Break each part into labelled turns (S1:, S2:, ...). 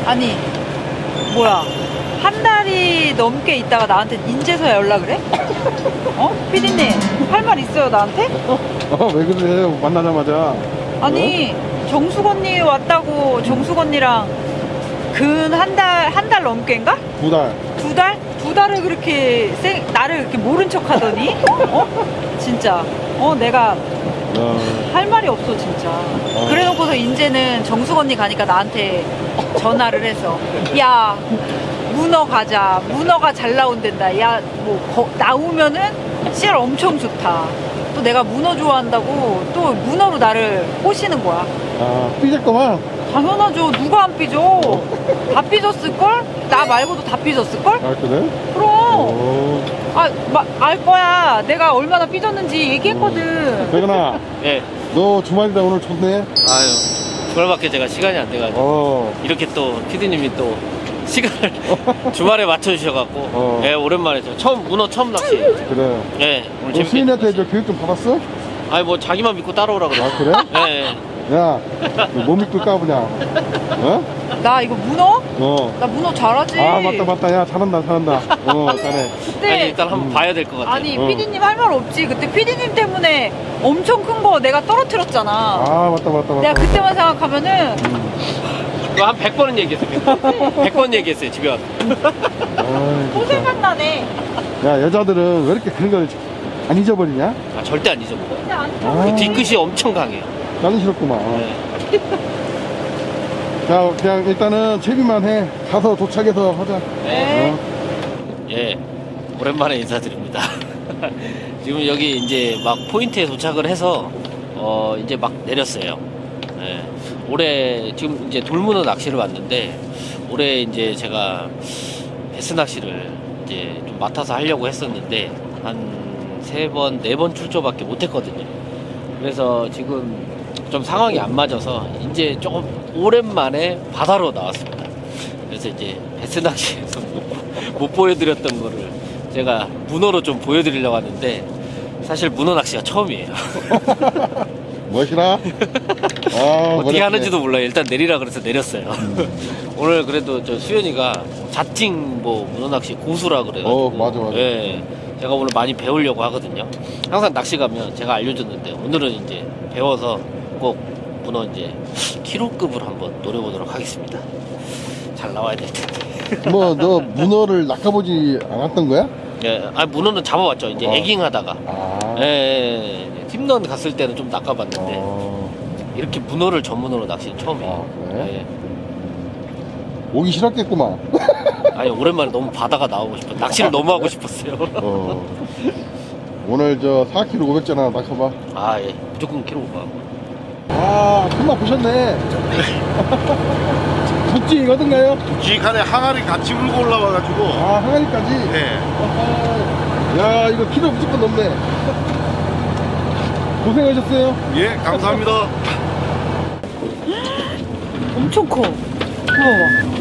S1: 아니 뭐야, 한 달이 넘게 있다가 나한테 인제서야 연락을 해? 어? 피디님 할 말 있어요 나한테?
S2: 왜 그래? 만나자마자.
S1: 아니 정숙 언니 왔다고. 정숙 언니랑 근 한 달 넘게인가?
S2: 2달.
S1: 두 달? 두 달을 그렇게 나를 이렇게 모른 척 하더니 어? 진짜 내가 할 말이 없어 진짜. 그래 놓고서 이제는 정숙 언니 가니까 나한테 전화를 해서 야 문어 가자, 문어가 잘 나온댄다, 야 뭐 나오면은 씨알 엄청 좋다, 또 내가 문어 좋아한다고 또 문어로 나를 꼬시는 거야.
S2: 삐졌구만.
S1: 당연하죠. 누가 안 삐져? 다 삐졌을걸? 나 말고도 다 삐졌을걸?
S2: 그래?
S1: 그럼 알 거야. 내가 얼마나 삐졌는지 얘기했거든.
S2: 백은아.
S3: 네.
S2: 너 주말이다. 오늘 좋네.
S3: 아유, 주말밖에 제가 시간이 안 돼가지고 이렇게 또 피디님이 또 시간을 주말에 맞춰주셔갖고 예, 오랜만에 문어 처음 낚시.
S2: 그래.
S3: 예, 오늘
S2: 너
S3: 재밌게.
S2: 수인한테 저 교육 좀 받았어?
S3: 아니 뭐 자기만 믿고 따라오라 그래.
S2: 그래?
S3: 예.
S2: 야, 너 뭐 믿고 까보냐? 어?
S1: 나 이거 문어?
S2: 어.
S1: 나 문어 잘하지.
S2: 맞다. 야, 잘한다. 잘해.
S1: 그때
S3: 아니 일단 한번 봐야 될 것 같아요.
S1: 아니 피디님 할 말 없지. 그때 피디님 때문에 엄청 큰 거 내가 떨어뜨렸잖아.
S2: 맞다.
S1: 내가 그때만 생각하면은
S3: 이거 한 100번은 얘기했어요. 100번 얘기했어요 집에 와서.
S1: 또 생각나네.
S2: 야, 여자들은 왜 이렇게 그런 걸 안 잊어버리냐?
S3: 아, 절대 안 잊어먹어요.
S1: 근데 안
S3: 그 뒤끝이 엄청 강해요.
S2: 나는 싫었구만.
S3: 네.
S2: 자, 그냥 일단은 채비만 해. 가서 도착해서 하자.
S1: 네.
S3: 예, 오랜만에 인사드립니다. 지금 여기 이제 막 포인트에 도착을 해서 이제 막 내렸어요. 예, 올해 지금 이제 돌문어 낚시를 왔는데 올해 이제 제가 베스 낚시를 이제 좀 맡아서 하려고 했었는데 한 3번, 4번 출조밖에 못했거든요. 그래서 지금 좀 상황이 안 맞아서 이제 조금 오랜만에 바다로 나왔습니다. 그래서 이제 베스 낚시에서 못 보여드렸던 거를 제가 문어로 좀 보여드리려고 하는데 사실 문어 낚시가 처음이에요.
S2: 멋이라?
S3: 어떻게 하는지도 몰라요. 일단 내리라 그래서 내렸어요. 오늘 그래도 저 수현이가 자칭 뭐 문어 낚시 고수라 그래가지고
S2: 맞아.
S3: 예, 제가 오늘 많이 배우려고 하거든요. 항상 낚시 가면 제가 알려줬는데 오늘은 이제 배워서 꼭 문어 이제 키로급을 한번 노려보도록 하겠습니다. 잘 나와야 될 텐데.
S2: 뭐, 너 문어를 낚아보지 않았던 거야?
S3: 예, 문어는 잡아왔죠. 이제 에깅하다가. 예, 팀런 갔을 때는 좀 낚아봤는데 이렇게 문어를 전문으로 낚시는 처음이에요.
S2: 그래?
S3: 예.
S2: 오기 싫었겠구만.
S3: 아니 오랜만에 너무 바다가 나오고 싶어. 낚시를 너무 하고 싶었어요.
S2: 오늘 저 4kg 500전화 낚아봐.
S3: 예, 무조건 키로 가.
S2: 금방 보셨네. 국지 어떤가요?
S4: 지간에 항아리 같이 물고 올라와가지고.
S2: 항아리까지?
S4: 네.
S2: 야, 이거 키로 무조건 넘네. 고생하셨어요.
S4: 예, 감사합니다.
S1: 엄청 커. 봐봐.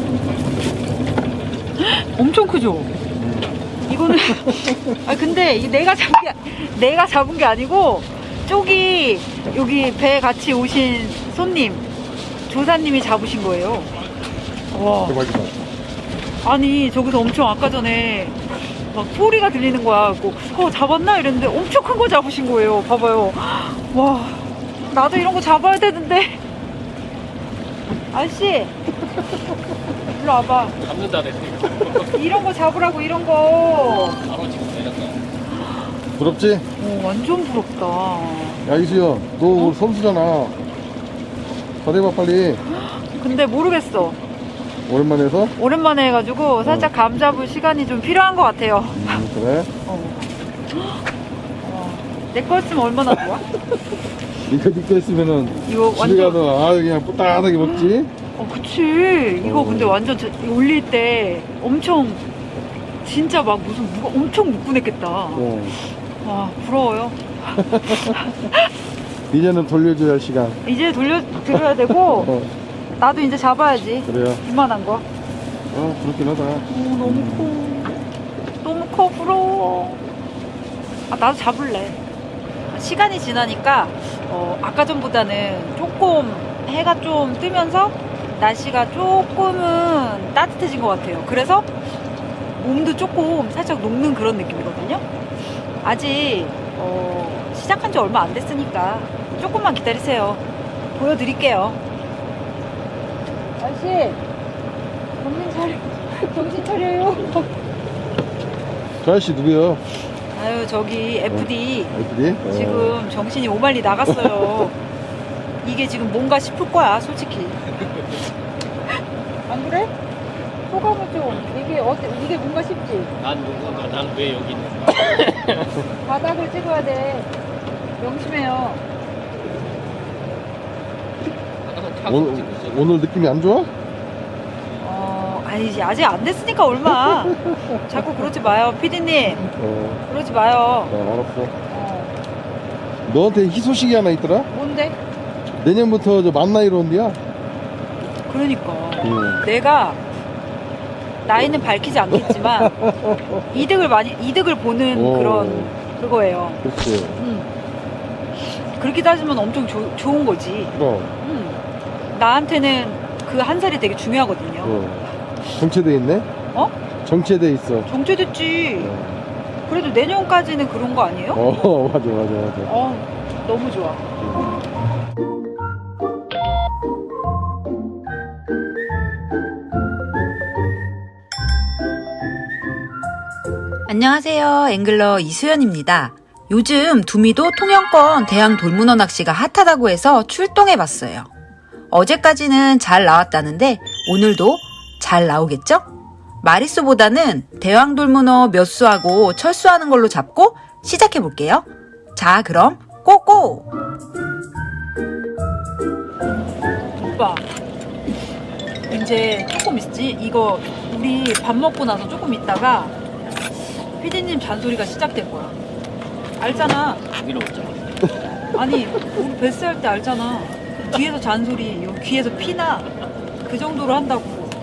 S1: 엄청 크죠? 이거는 근데 이게 내가 잡은 게 아니고 저기 여기 배 같이 오신 손님 조사님이 잡으신 거예요. 와.
S2: 대박이다.
S1: 아니 저기서 엄청 아까 전에 막 소리가 들리는 거야. 잡았나 이랬는데 엄청 큰 거 잡으신 거예요. 봐봐요. 와, 나도 이런 거 잡아야 되는데. 아저씨 일로 와봐.
S3: 잡는다 그랬어.
S1: 이런 거 잡으라고. 이런 거.
S3: 바로 지금 내렸다.
S2: 부럽지?
S1: 완전 부럽다.
S2: 야, 이수연, 너 오늘 선수잖아. 잘해봐, 빨리.
S1: 근데 모르겠어.
S2: 오랜만에 해서?
S1: 오랜만에 해가지고 살짝 감 잡을 시간이 좀 필요한 것 같아요.
S2: 그래?
S1: 내 거였으면 얼마나 좋아?
S2: 이거 했으면은
S1: 이거
S2: 집에
S1: 완전
S2: 가서 그냥 뿌딱하게 먹지?
S1: 그치. 이거 근데 완전 올릴 때 엄청 진짜 막 무슨 엄청 묵근했겠다. 와, 부러워요.
S2: 이제는 돌려줘야 할 시간.
S1: 이제 돌려드려야 되고 나도 이제 잡아야지.
S2: 그래요.
S1: 이만한 거.
S2: 그렇긴 하다.
S1: 너무 커. 너무 커. 부러워. 나도 잡을래. 시간이 지나니까 아까 전보다는 조금 해가 좀 뜨면서 날씨가 조금은 따뜻해진 것 같아요. 그래서 몸도 조금 살짝 녹는 그런 느낌이거든요. 아직 시작한 지 얼마 안 됐으니까 조금만 기다리세요. 보여드릴게요. 아저씨, 정신 차려요.
S2: 저 아저씨 누구요?
S1: 아유, 저기 FD
S2: FD?
S1: 지금 정신이 오만리 나갔어요. 이게 지금 뭔가 싶을 거야, 솔직히. 안 그래? 소감을 좀 이게 뭔가 싶지?
S3: 난 누군가, 난 왜 여기 있는가.
S1: 바닥을 찍어야 돼. 명심해요.
S2: 오늘 느낌이 안 좋아?
S1: 아니지, 아직 안 됐으니까 얼마. 자꾸 그러지 마요, 피디님. 그러지 마요.
S2: 알았어. 너한테 희소식이 하나 있더라?
S1: 뭔데?
S2: 내년부터 저 만 나이로 온대야.
S1: 그러니까 내가 나이는 밝히지 않겠지만 이득을 보는 그런 그거예요.
S2: 그렇지.
S1: 그렇게 따지면 엄청 좋은 거지.
S2: 그럼.
S1: 나한테는 그 한 살이 되게 중요하거든요.
S2: 정체돼 있네?
S1: 어?
S2: 정체돼 있어.
S1: 정체됐지. 그래도 내년까지는 그런 거 아니에요?
S2: 맞아.
S1: 너무 좋아. 안녕하세요. 앵글러 이수연입니다. 요즘 두미도 통영권 대양 돌문어 낚시가 핫하다고 해서 출동해봤어요. 어제까지는 잘 나왔다는데 오늘도 잘 나오겠죠? 마리수보다는 대왕 돌문어 몇 수하고 철수하는 걸로 잡고 시작해볼게요. 자, 그럼 고고! 오빠, 이제 조금 있지? 이거 우리 밥 먹고 나서 조금 있다가 피디님 잔소리가 시작된 거야. 알잖아.
S3: 여기로 오자.
S1: 아니, 우리 베스 할 때 알잖아. 뒤에서 잔소리, 여기 귀에서 피나 그 정도로 한다고.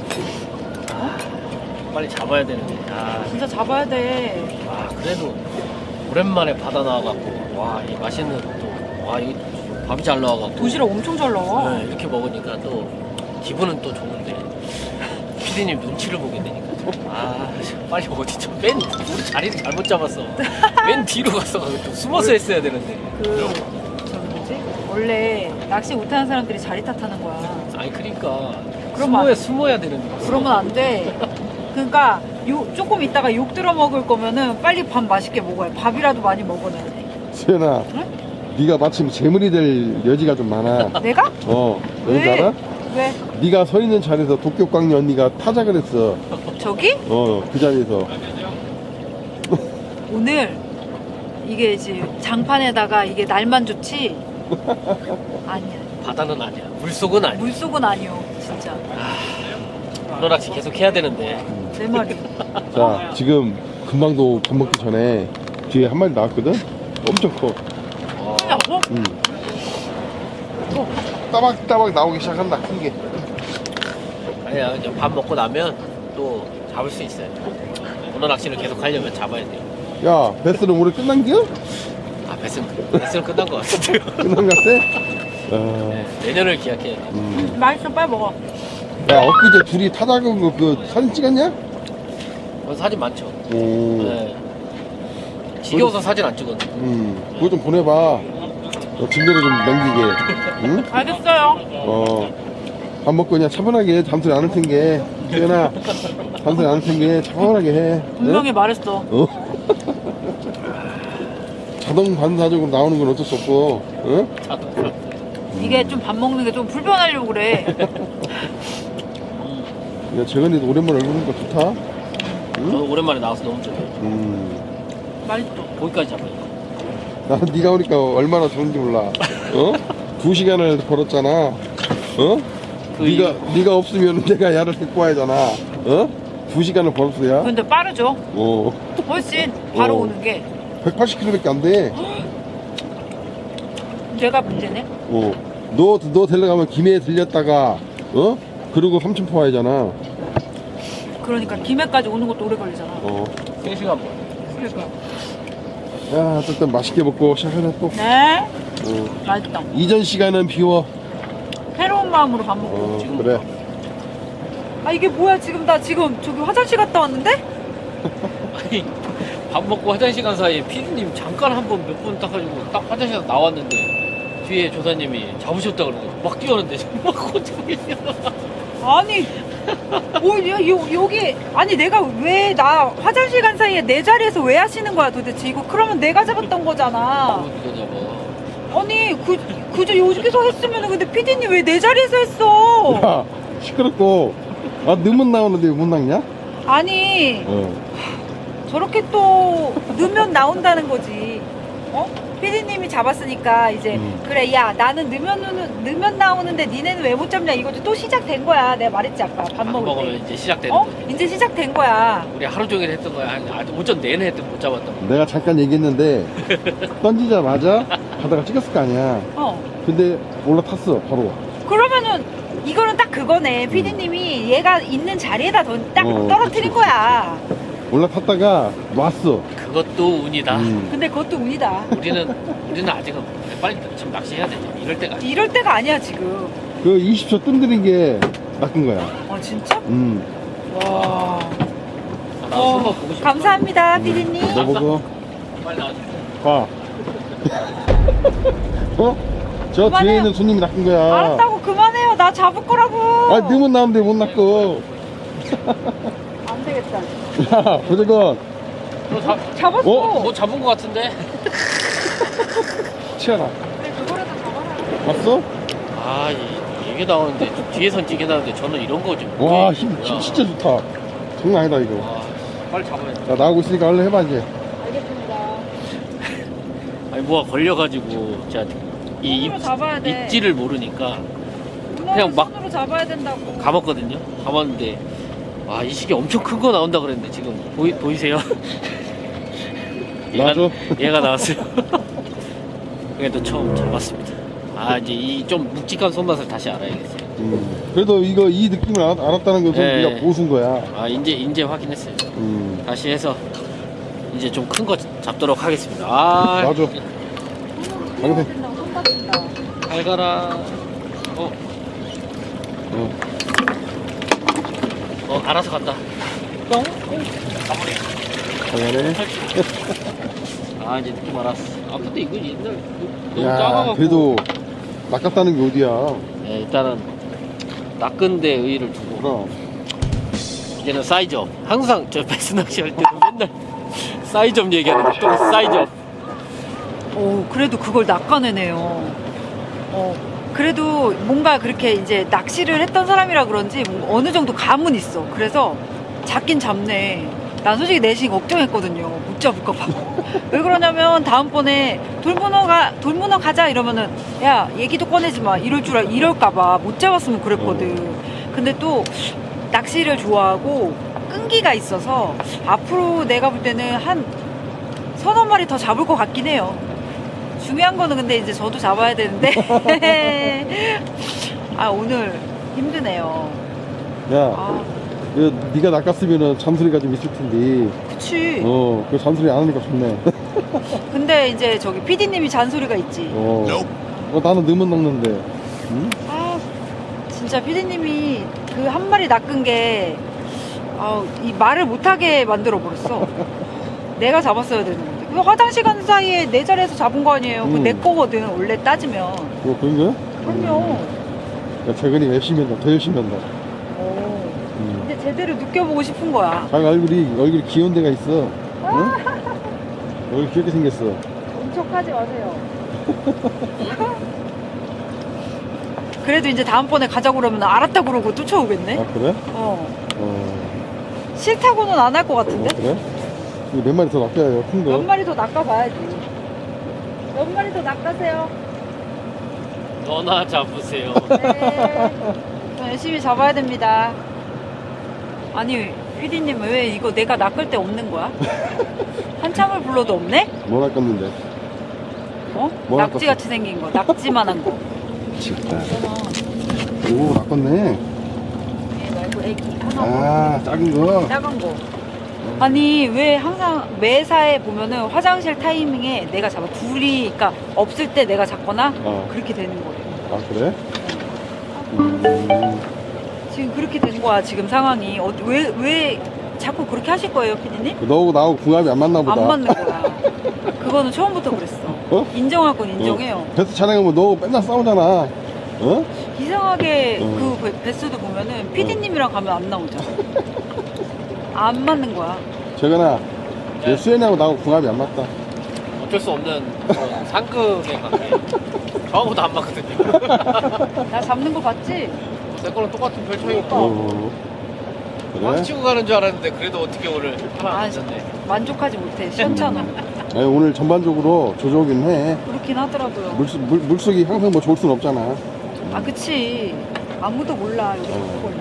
S3: 빨리 잡아야 되는데.
S1: 진짜 잡아야 돼.
S3: 그래도 오랜만에 바다 나와갖고, 와, 이 맛있는 또, 와, 이 밥이 잘 나와갖고.
S1: 도시락 엄청 잘 나와.
S3: 네, 이렇게 먹으니까 또 기분은 또 좋은데 피디님 눈치를 보게 되니까 빨리 어디 좀 맨 우리 자리를 잘못 잡았어. 맨 뒤로 가서 좀 숨어서 했어야 되는데.
S1: 뭐지? 원래 낚시 못하는 사람들이 자리 탓하는 거야.
S3: 아니 그러니까
S1: 그러면
S3: 숨어야 되는데.
S1: 그러면 안 돼. 그러니까 조금 있다가 욕 들어 먹을 거면은 빨리 밥 맛있게 먹어야 돼. 밥이라도 많이 먹어놔야 돼.
S2: 수연아, 네가 마침 재물이 될 여지가 좀 많아.
S1: 내가?
S2: 왠지
S1: 왜?
S2: 알아?
S1: 왜?
S2: 네가 서 있는 자리에서 도쿄광리 언니가 타작을 했어.
S1: 저기?
S2: 그 자리에서.
S1: 오늘 이게 이제 장판에다가 이게 날만 좋지? 아니야.
S3: 바다는 아니야. 물속은 아니야.
S1: 물속은 아니요. 진짜.
S3: 문어낚시 계속 해야 되는데.
S1: 내 말이.
S2: 자, 지금 금방도 밥 먹기 전에 뒤에 한 마리 나왔거든? 엄청 커.
S1: 하냐고?
S2: 따박따박 나오기 시작한다, 큰 게.
S3: 아니야, 이제 밥 먹고 나면 또 잡을 수 있어요. 문어낚시를 계속 하려면 잡아야 돼요.
S2: 야, 베스는 올해 끝난 겨?
S3: 배스는 끝난 것 같은데요.
S2: 끝난 것 같아?
S3: 내년을 기약해야 돼.
S1: 맛있어, 빨리 먹어.
S2: 야, 엊그제 둘이 타작한 거 그 사진 찍었냐?
S3: 사진 많죠.
S2: 오.
S3: 네. 지겨워서 사진 안 찍었는데.
S2: 그거 좀 보내봐. 진도로 좀 넘기게. 응?
S1: 알겠어요.
S2: 밥 먹고 그냥 차분하게 잠소리 안 할 텐게. 수연아, 잠소리 안 할 텐게 차분하게 해.
S1: 분명히 말했어.
S2: 자동 반사적으로 나오는 건 어쩔 수 없고, 응?
S1: 이게 좀 밥 먹는 게 좀 불편하려고 그래.
S2: 야, 재건이도 오랜만에 얼굴 보니까 좋다.
S3: 저도 오랜만에 나와서 너무 좋아요.
S1: 맛있어.
S3: 거기까지 잡으니까.
S2: 나 네가 오니까 얼마나 좋은지 몰라. 2시간을 벌었잖아. 네가 없으면 내가 야를 데리고 와야잖아. 2시간을 벌었어야.
S1: 근데 빠르죠? 훨씬 바로
S2: 어.
S1: 오는 게.
S2: 180km밖에 안 돼.
S1: 내가 문제네.
S2: 너 데려가면 김해에 들렸다가 그리고 삼천포 와야잖아.
S1: 그러니까 김해까지 오는 것도 오래 걸리잖아.
S3: 3시간 반.
S1: 그러니까.
S2: 야, 어쨌든 맛있게 먹고 시작하자 또.
S1: 네. 맛있다.
S2: 이전 시간은 비워.
S1: 새로운 마음으로 밥 먹고.
S2: 그래.
S1: 아 이게 뭐야 지금 나 지금 저기 화장실 갔다 왔는데?
S3: 아니 밥 먹고 화장실 간 사이에 피디님 잠깐 한 번 몇 분 딱 가지고 딱 화장실 에 나왔는데 뒤에 조사님이 잡으셨다 그러는 거죠. 막 뛰어오는데 막 고치고 계세요.
S1: 아니 여기 아니 내가 왜 나 화장실 간 사이에 내 자리에서 왜 하시는 거야 도대체 이거 그러면 내가 잡았던 거잖아.
S3: 누가 잡아?
S1: 아니 그저 여기서 했으면은 근데 피디님 왜 내 자리에서 했어?
S2: 야, 시끄럽고. 아, 넣으면 나오는데 왜 못 낚냐?
S1: 아니
S2: 어.
S1: 저렇게 또 넣으면 나온다는 거지. 어? 피디님이 잡았으니까 이제 그래 야 나는 넣으면 나오는데 니네는 왜 못 잡냐 이거지. 또 시작된 거야. 내가 말했지 아까 밥
S3: 밥
S1: 먹을
S3: 먹으면
S1: 때.
S3: 이제 시작되는
S1: 어?
S3: 거죠.
S1: 이제 시작된 거야.
S3: 우리 하루 종일 했던 거야. 아주 오전 내내 했던 못 잡았던 거.
S2: 내가 잠깐 얘기했는데, 던지자마자 바다가 찍었을 거 아니야.
S1: 어.
S2: 근데 올라탔어, 바로.
S1: 그러면은 이거는 딱 그거네. 피디님이 얘가 있는 자리에다 딱
S2: 어,
S1: 떨어뜨린
S2: 그치,
S1: 거야.
S2: 올라탔다가 놨어.
S3: 그것도 운이다.
S1: 근데 그것도 운이다.
S3: 우리는 아직은 빨리 지금 낚시해야 되죠. 이럴 때가 아니야.
S1: 이럴 때가 아니야 지금.
S2: 그 20초 뜸들인 게 낚은 거야.
S1: 어 진짜? 와.
S3: 나 손만 보고 싶어.
S1: 감사합니다 피디님.
S2: 너 보고,
S3: 빨리 나와줘.
S2: 봐. 어? 저
S1: 그만해요.
S2: 뒤에 있는 손님이 낚은 거야.
S1: 알았다고 그만해요. 나 잡을 거라고.
S2: 아, 넣으면 나오는데 못 낚고.
S1: 안 되겠다.
S2: 야, 도저건,
S1: 잡았어.
S2: 어?
S3: 뭐 잡은 거 같은데?
S2: 치아라.
S1: 그래 그거라도 잡아라.
S2: 봤어?
S3: 아, 이게 나오는데 뒤에선 찌게 나오는데 저는 이런 거지.
S2: 와, 힘 진짜 좋다. 장난 아니다, 이거.
S3: 와, 빨리 잡아야 돼.
S2: 자, 나오고 있으니까 얼른 해봐, 이제.
S1: 알겠습니다.
S3: 아니 뭐가 걸려가지고 제가 이
S1: 손으로 잡아야 돼.
S3: 입지를 모르니까
S1: 그냥
S3: 그냥 막
S1: 손으로 잡아야 된다고.
S3: 감았거든요. 감았는데 와, 이 시계 엄청 큰 거 나온다 그랬는데 지금 보이세요?
S2: 놔줘.
S3: 얘가 나왔어요. 그래도 처음 잡았습니다. 아, 이제 이 좀 묵직한 손맛을 다시 알아야겠어요.
S2: 그래도 이 느낌을 알았다는 것은
S3: 네.
S2: 네가 보수인 거야.
S3: 아, 이제 확인했어요. 다시 해서 이제 좀 큰 거 잡도록 하겠습니다. 아,
S2: 놔줘.
S1: 손으로
S2: 알겠어.
S1: 된다고 손 다친다.
S3: 잘 가라. 알아서 간다.
S1: 똥?
S2: 당연해.
S3: 아, 이제 느낌 알았어. 아, 근데 이거 옛날 너무
S2: 야,
S3: 작아갖고.
S2: 그래도 낚았다는 게 어디야.
S3: 네, 일단은 낚은 데 의의를 두고
S2: 그럼.
S3: 이제는 사이즈업. 항상 저 배스 낚시 할 때도 맨날 사이즈업 얘기하는데 또 사이즈업.
S1: 오, 그래도 그걸 낚아내네요. 그래도 뭔가 그렇게 이제 낚시를 했던 사람이라 그런지 뭔가 어느 정도 감은 있어. 그래서 잡긴 잡네. 난 솔직히 내심 걱정했거든요. 못 잡을까봐. 왜 그러냐면 다음번에 돌문어 가자 이러면은 야 얘기도 꺼내지 마 이럴까봐 못 잡았으면 그랬거든. 근데 또 낚시를 좋아하고 끈기가 있어서 앞으로 내가 볼 때는 한 서너 마리 더 잡을 것 같긴 해요. 중요한 거는 근데 이제 저도 잡아야 되는데 아 오늘 힘드네요.
S2: 야,
S1: 아
S2: 네가 낚았으면은 잔소리가 좀 있을 텐데.
S1: 그치.
S2: 그 잔소리 안 하니까 좋네.
S1: 근데 이제 저기 PD님이 잔소리가 있지.
S2: 나는 넣으면 낚는데. 응?
S1: 아 진짜 PD님이 그 한 마리 낚은 게 이 말을 못하게 만들어 버렸어. 내가 잡았어야 되는 건데. 그 화장실 간 사이에 내 자리에서 잡은 거 아니에요. 그거 내 거거든 원래 따지면.
S2: 그런 거야?
S1: 그럼요.
S2: 야, 재근이 열심히 한다. 더 열심히 한다.
S1: 이제 제대로 느껴보고 싶은 거야.
S2: 자기 얼굴이 귀여운 데가 있어. 응? 얼굴 귀엽게 생겼어.
S1: 엄척하지 마세요. 그래도 이제 다음번에 가자고 그러면 알았다 그러고 쫓아오겠네.
S2: 아, 그래?
S1: 싫다고는 안 할 것 같은데?
S2: 그래? 이거 몇 마리 더 낚여요, 큰 거.
S1: 몇 마리 더 낚아봐야지. 몇 마리 더 낚아세요.
S3: 너나 잡으세요.
S1: 네. 저 열심히 잡아야 됩니다. 아니, 피디님 왜 이거 내가 낚을 때 없는 거야? 한참을 불러도 없네?
S2: 뭐 낚았는데? 뭐
S1: 낙지같이 생긴 거, 낙지만한 거.
S2: 진짜. 오, 낚았네.
S1: 얘 말고 애기 하나.
S2: 아, 작은 거.
S1: 작은 거. 아니 왜 항상 매사에 보면은 화장실 타이밍에 내가 잡아 그러니까 없을 때 내가 잡거나 그렇게 되는 거예요.
S2: 아, 그래?
S1: 지금 그렇게 된 거야 지금 상황이. 왜 자꾸 그렇게 하실 거예요 피디님?
S2: 너하고 나하고 궁합이 안 맞나 보다.
S1: 안 맞는 거야. 그거는 처음부터 그랬어.
S2: 어?
S1: 인정할 건 인정해요.
S2: 베스 촬영하면 너 맨날 싸우잖아. 어?
S1: 이상하게
S2: 어.
S1: 그 베스도 보면은 피디님이랑 가면 안 나오잖아. 안 맞는 거야.
S2: 재근아,
S3: 네.
S2: 수현이하고 나하고 궁합이 안 맞다.
S3: 어쩔 수 없는 그런 상극의 관계. 저하고도 안 맞거든요.
S1: 나 잡는 거 봤지?
S3: 내 거랑 똑같은 별차이고.
S2: 그래?
S3: 막 치고 가는 줄 알았는데 그래도 어떻게 오늘 하나
S1: 아,
S3: 안 졌네.
S1: 만족하지 못해. 시원찮아.
S2: 아니, 오늘 전반적으로 조조긴 해.
S1: 그렇긴 하더라고요.
S2: 물속이 항상 뭐 좋을 순 없잖아.
S1: 아 그치. 아무도 몰라 여기 그걸.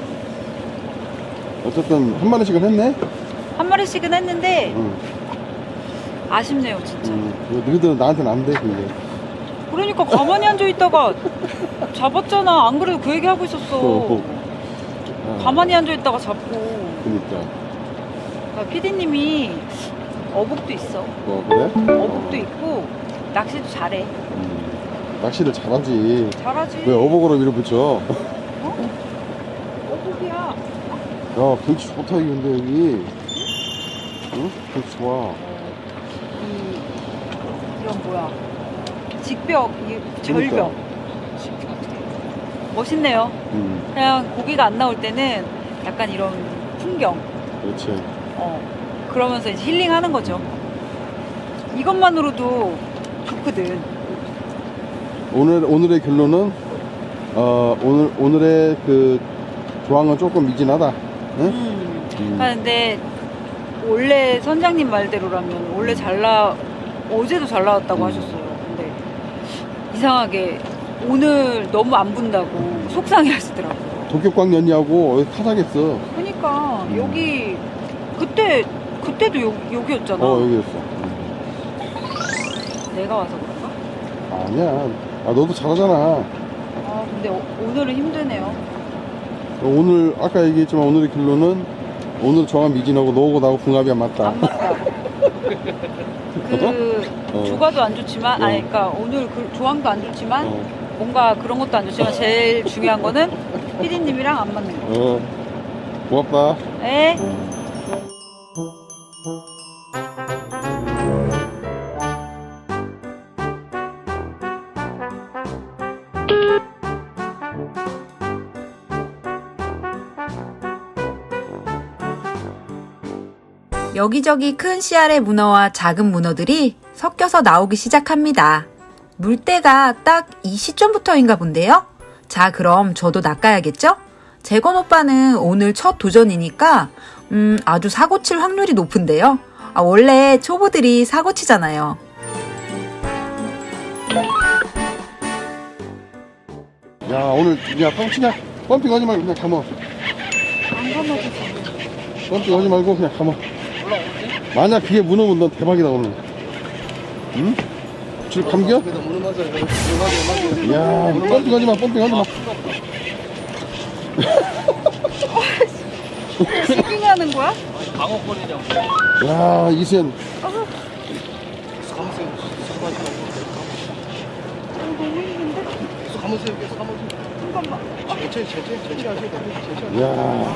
S2: 어쨌든 한 마리씩은 했네.
S1: 한 마리씩은 했는데
S2: 응.
S1: 아쉽네요 진짜.
S2: 너희들은 나한테는 안 돼, 그게.
S1: 그러니까 가만히 앉아 있다가 잡았잖아. 안 그래도 그 얘기 하고 있었어. 가만히 앉아 있다가 잡고.
S2: 그니까.
S1: 그러니까 PD님이 어복도 있어.
S2: 그래?
S1: 어복도 있고 낚시도 잘해.
S2: 낚시를 잘하지.
S1: 잘하지.
S2: 왜 어복으로 밀어붙여?
S1: 어? 어복이야.
S2: 야, 경치 좋다, 이게 근데 여기. 응? 경치 좋아.
S1: 이런 뭐야? 직벽, 이게 절벽.
S2: 그러니까.
S1: 멋있네요.
S2: 음,
S1: 그냥 고기가 안 나올 때는 약간 이런 풍경.
S2: 그렇지.
S1: 그러면서 이제 힐링하는 거죠. 이것만으로도 좋거든.
S2: 오늘의 결론은, 오늘의 그 조항은 조금 미진하다. 응?
S1: 근데 원래 선장님 말대로라면 원래 어제도 잘 나왔다고 하셨어요. 근데 이상하게 오늘 너무 안 분다고 속상해 하시더라고요.
S2: 도쿄광 연이하고 여기 타자겠어.
S1: 그러니까 여기 그때도 여기였잖아.
S2: 여기였어.
S1: 내가 와서 그런가?
S2: 아니야. 너도 잘하잖아.
S1: 아 근데 오늘은 힘드네요.
S2: 오늘, 아까 얘기했지만 오늘의 결론은 오늘 조항 미진하고 너하고 나하고 궁합이 안 맞다.
S1: 안 맞다. 조과도 안 좋지만, 그러니까 오늘 그 조항도 안 좋지만 뭔가 그런 것도 안 좋지만 제일 중요한 거는 피디님이랑 안 맞는 거.
S2: 고맙다.
S1: 네.
S5: 여기저기 큰 씨알의 문어와 작은 문어들이 섞여서 나오기 시작합니다. 물때가 딱 이 시점부터인가 본데요? 자, 그럼 저도 낚아야겠죠? 재건 오빠는 오늘 첫 도전이니까 아주 사고칠 확률이 높은데요? 원래 초보들이 사고치잖아요.
S2: 야, 오늘, 뻥치냐? 펌핑 하지 말고 그냥 감어.
S1: 안 감아주세요.
S2: 펌핑 하지 말고 그냥 감어. 만약 그게 문어면 넌 대박이다, 오늘. 응? 줄 감겨? 야, 펌핑 하지 마, 펌핑 하지 마.
S1: 스킹하는 거야?
S3: 방어권이냐고.
S2: 야, 이수연.
S1: 너무 힘든데? 잠깐만.
S2: 야.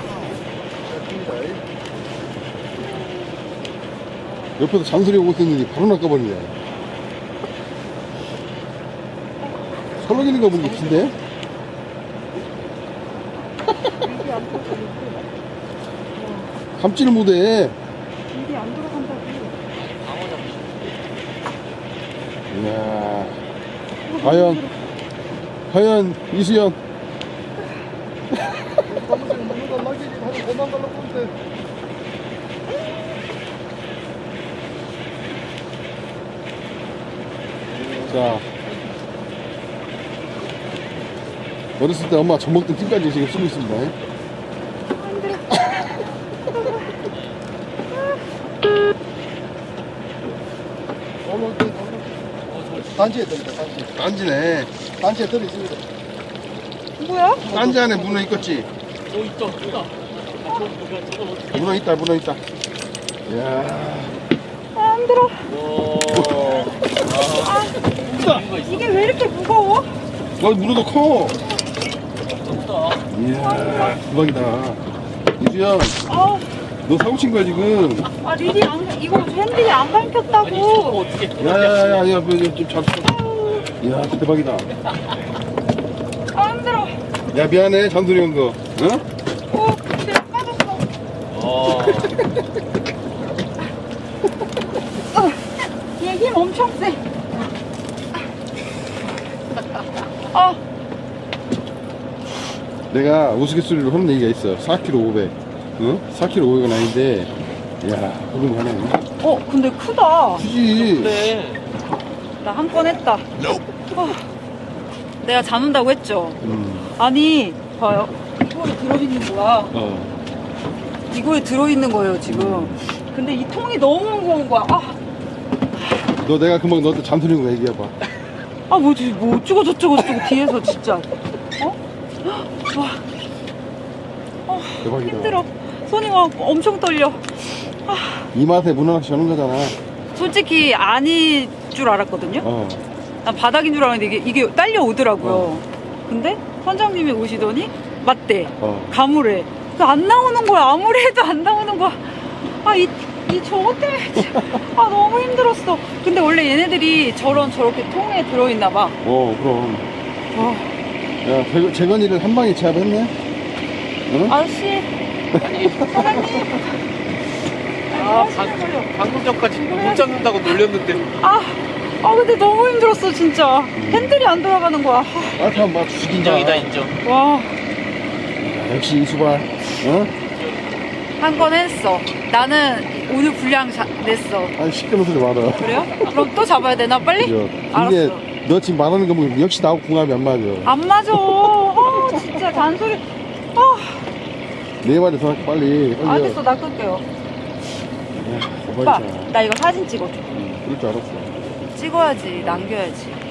S2: 옆에서 잔소리 오고 있었는데 바로 낚아버리네. 설렁이는 거 보니 긴데? 감지를 못해.
S1: 일이 안 들어간다고.
S2: 이야. 과연, 이수연. 자. 어렸을 때 엄마 젖 먹던 찜까지 지금 쓰고 있습니다.
S4: 단지에 들어있다, 단지.
S2: 딴지네.
S4: 단지에 들어있습니다.
S1: 뭐야?
S2: 딴지 안에 문어 있겠지?
S3: 있다.
S2: 문어 있다, 문어 있다. 이야.
S1: 안 들어.
S3: 오.
S1: 이게 왜 이렇게 무거워?
S2: 문어도 커.
S3: 없다.
S2: 이야, 대박이다. 이수연,
S1: 아우,
S2: 너 사고 친 거야, 지금?
S1: 아 리디 이거 핸들이 안 밟혔다고.
S2: 야야야야, 좀 잡수. 이야, 대박이다.
S1: 아 힘들어.
S2: 야, 미안해, 잔소리 온 거. 응?
S1: 오, 내가 빠졌어. 얘 힘 엄청 세. 아,
S2: 내가 우스갯소리로 하는 얘기가 있어. 4kg 500. 응? 4kg 500은 아닌데, 야, 그런 거 하네.
S1: 근데 크다.
S2: 굳이.
S3: 그래.
S1: 나 한 건 했다. 내가 잡는다고 했죠. 아니, 봐요. 이거에 들어있는 거야. 이거에 들어있는 거예요, 지금. 근데 이 통이 너무 무거운 거야.
S2: 너 내가 금방 너한테 잔소리 온 거 얘기해봐.
S1: 뭐지, 뭐 어쩌고 뒤에서 진짜. 와,
S2: 대박이다.
S1: 힘들어. 손이 막 엄청 떨려.
S2: 이 맛에 문어낚시 하는 거잖아.
S1: 솔직히 아닐 줄 알았거든요. 난 바닥인 줄 알았는데 이게 딸려오더라고요. 근데 선장님이 오시더니 맞대. 가물해. 안 나오는 거야. 아무리 해도 안 나오는 거야. 이 저것 때문에 너무 힘들었어. 근데 원래 얘네들이 저렇게 통에 들어있나 봐.
S2: 그럼. 야, 재건이를 한 방에 제압했네? 응?
S1: 아저씨. 사장님.
S3: 방금 전까지 못 잡는다고 놀렸는데.
S1: 근데 너무 힘들었어, 진짜. 핸들이 안 돌아가는 거야.
S2: 참, 막 죽인다.
S3: 인정이다, 인정.
S1: 와.
S2: 역시 이수발. 응?
S1: 한 건 했어. 나는 오늘 분량 냈어.
S2: 아니, 시끄러운 소리 말아.
S1: 그래요? 그럼 또 잡아야 되나, 빨리?
S2: 근데
S1: 알았어.
S2: 너 지금 말하는 거 보면 역시 나하고 궁합이 안 맞아.
S1: 안 맞아. 진짜 잔소리.
S2: 네 마리 더 할게, 빨리.
S1: 알겠어, 나 끌게요.
S2: 야,
S1: 오빠,
S2: 대박이다.
S1: 나 이거 사진 찍어줘.
S2: 그럴 줄 알았어.
S1: 찍어야지, 남겨야지.